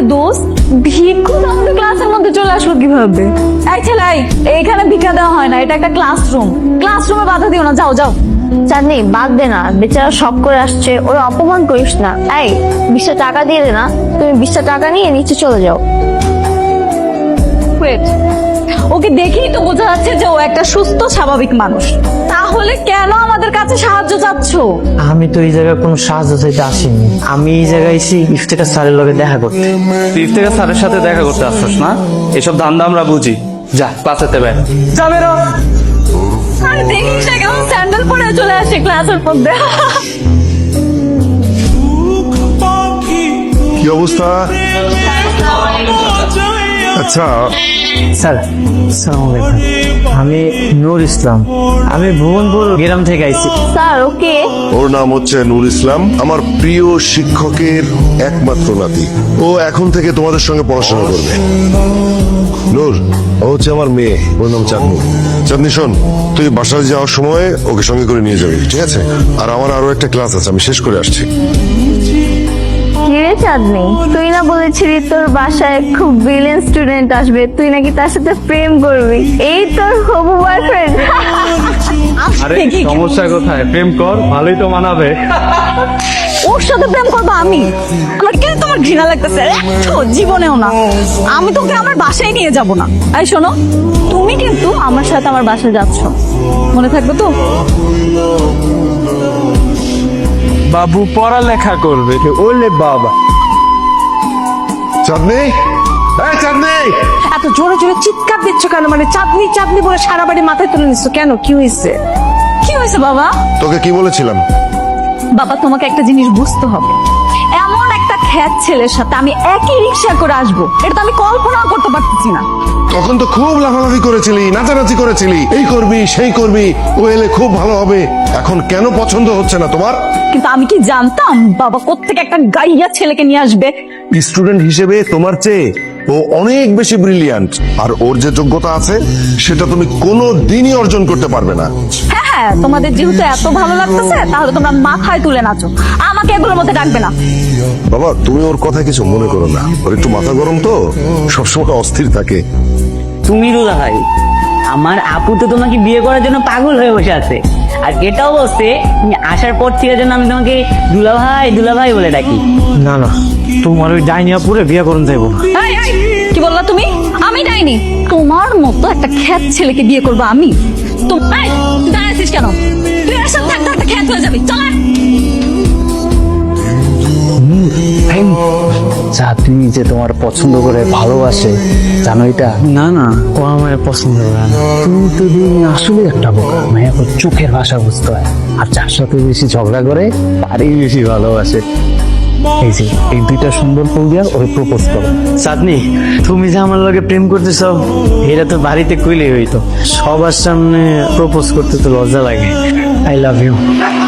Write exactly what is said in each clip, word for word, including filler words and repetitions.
দোস্ত ভিক্ষু আমাদের ক্লাসের মধ্যে চলে আসলো কিভাবে? এই ছেলে, এইখানে ভিক্ষা দেওয়া হয় না, এটা একটা ক্লাসরুম। ক্লাসরুমে বাধা দিও না, যাও যাও। চাঁদনি বাদ দে না, বেচারা শখ করে আসছে, ওর অপমান করিস না। এই বিশটা টাকা দিয়ে দে না, তুমি বিশটা টাকা নিয়ে নিচে চলে যাও। ওয়েট, ওকে দেখেই তো বোঝা যাচ্ছে যে ও একটা সুস্থ স্বাভাবিক মানুষ, তাহলে কেন আমাদের কাছে সাহায্য চাচ্ছ? আমি তো এই জায়গায় কোনো সাহায্য চাইতে আসিনি, আমি এই জায়গায় এসে ইফতেখার স্যারের লগে দেখা করতে। তুই ইফতেখার স্যারের সাথে দেখা করতে আসছিস না? এসব ধান্দা আমরা বুঝি। যা ক্লাসেতে বের। যা বেরো। আর দেখিস না কেমন স্যান্ডেল পরে চলে আসে ক্লাসের মধ্যে। কি অবস্থা? আচ্ছা, স্যার আসসালামু আলাইকুম, আমি নূর ইসলাম, আমি ভুবনপুর গ্রাম থেকে আইছি। স্যার ওকে ওর নাম হচ্ছে নূর ইসলাম, আমার প্রিয় শিক্ষকের একমাত্র নাতি। ও এখন থেকে তোমাদের সঙ্গে পড়াশোনা করবে। নূর, ও হচ্ছে আমার মেয়ে, ওর নাম চাঁদনি। চাঁদনি শোন, তুই বাসায় যাওয়ার সময় ওকে সঙ্গে করে নিয়ে যাবি, ঠিক আছে? আর আমার আরো একটা ক্লাস আছে, আমি শেষ করে আসছি। কিরে চাঁদনি, তুই না বলেছিলি তোর বাসায় খুব ব্রিলিয়েন্ট স্টুডেন্ট আসবে, তুই নাকি তার সাথে প্রেম করবি, এই তোর হবু বয়ফ্রেন্ড? আরে সমস্যা কোথায়? প্রেম কর, ভালোই তো মানাবে। ওর সাথে প্রেম করবো আমি? আমার কেন তোমার ঘৃণা লাগতেছে? একটু জীবনেও না। আমি তোকে আমার বাসায় নিয়ে যাব না। এই শোনো, তুমি কিন্তু আমার সাথে আমার বাসায় যাচ্ছ, মনে থাকবে তো? বাবু পড়ালেখা করবে। ওলে বাবা, চাঁদনি, এই চাঁদনি! এত জোরে জোরে চিৎকার দিচ্ছ কেন? মানে চাঁদনি চাঁদনি বলে সারা বাড়ি মাথায় তুলে নিচ্ছ কেন? কি হয়েছে? কি হয়েছে বাবা? তোকে কি বলেছিলাম? বাবা, তোমাকে একটা জিনিস বুঝতে হবে, এমন একটা খ্যাত ছেলের সাথে আমি একই রিক্সা করে আসবো, এটা তো আমি কল্পনাও করতে পারতেছি না। তখন তো খুব লাফালাফি করেছিলি, নাচানাচি করেছিলি, এই করবি সেই করবি, ও এলে খুব ভালো হবে। এখন কেন পছন্দ হচ্ছে না তোমার? কিন্তু আমি কি জানতাম বাবা কোত্থেকে একটা গাইয়া ছেলেকে নিয়ে আসবে? স্টুডেন্ট হিসেবে তোমার চেয়ে ও অনেক বেশি ব্রিলিয়ান্ট, আর ওর যে যোগ্যতা আছে সেটা তুমি কোনো দিনই অর্জন করতে পারবে না। হ্যাঁ হ্যাঁ, তোমাদের যেহেতু এত ভালো লাগতেছে তাহলে তোমরা মাথায় তুলে নাচো, আমাকে এগুলোর মধ্যে ডাকবে না। বাবা, তুমি ওর কথা কিছু মনে করো না, ওর একটু মাথা গরম তো, সবসময় অস্থির থাকে। তুমি রুদা ভাই, আমার আপু তো তোমাকে বিয়ে করার জন্য পাগল হয়ে বসে আছে, আর এটাও বলছে তুমি আসার পর থেকে যেন আমি তোমাকে দুলা ভাই দুলা ভাই বলে ডাকি। না না, তোমার ওই ডাইনিয়া পুরে বিয়ে করুন যাইবো না। এই, এই, কি বললা তুমি? আমি ডাইনি? তোমার মতো একটা খ্যাত ছেলেকে বিয়ে করবো আমি? তুমি দাঁড়াচ্ছিস কেন? তুই এর সাথে থাকতে থাকতে খ্যাত হয়ে যাবি, চল। চাঁদনি যে তোমার পছন্দ করে ভালোবাসে, জানো এটা? না না, ও আমার পছন্দ করে না। তুমি তো দিন আসলে একটা বোকা, মায়া ওর চোখের ভাষা বুঝতে হয়, আর যার সাথে বেশি ঝগড়া করে তারই বেশি ভালোবাসে। এই যে এই দুইটা সুন্দর ফুল দিয়া ওই প্রপোজ করো। চাঁদনি, তুমি যে আমার লগে প্রেম করতেছ এটা তো বাড়িতে কইলেই হইতো, সবার সামনে প্রপোজ করতে তো লজ্জা লাগে। I love you.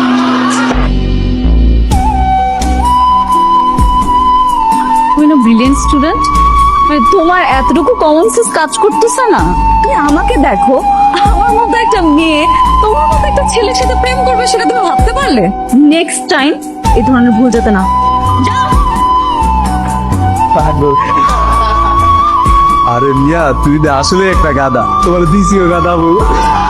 তুমি না ব্রিলিয়েন্ট স্টুডেন্ট, মানে তোমার এতটুকু কমন সেন্স কাজ করতেছে না? তুমি আমাকে দেখো, আমার মতো একটা মেয়ে তোমার মতো একটা ছেলের সাথে প্রেম করবে, সেটা তুমি ভাবতে পারলে? নেক্সট টাইম এই ধরনের ভুল যাতে না। যাও। আরে মিয়া, তুই আসলে একটা গাদা, তোমার দিছিও গাদা বউ।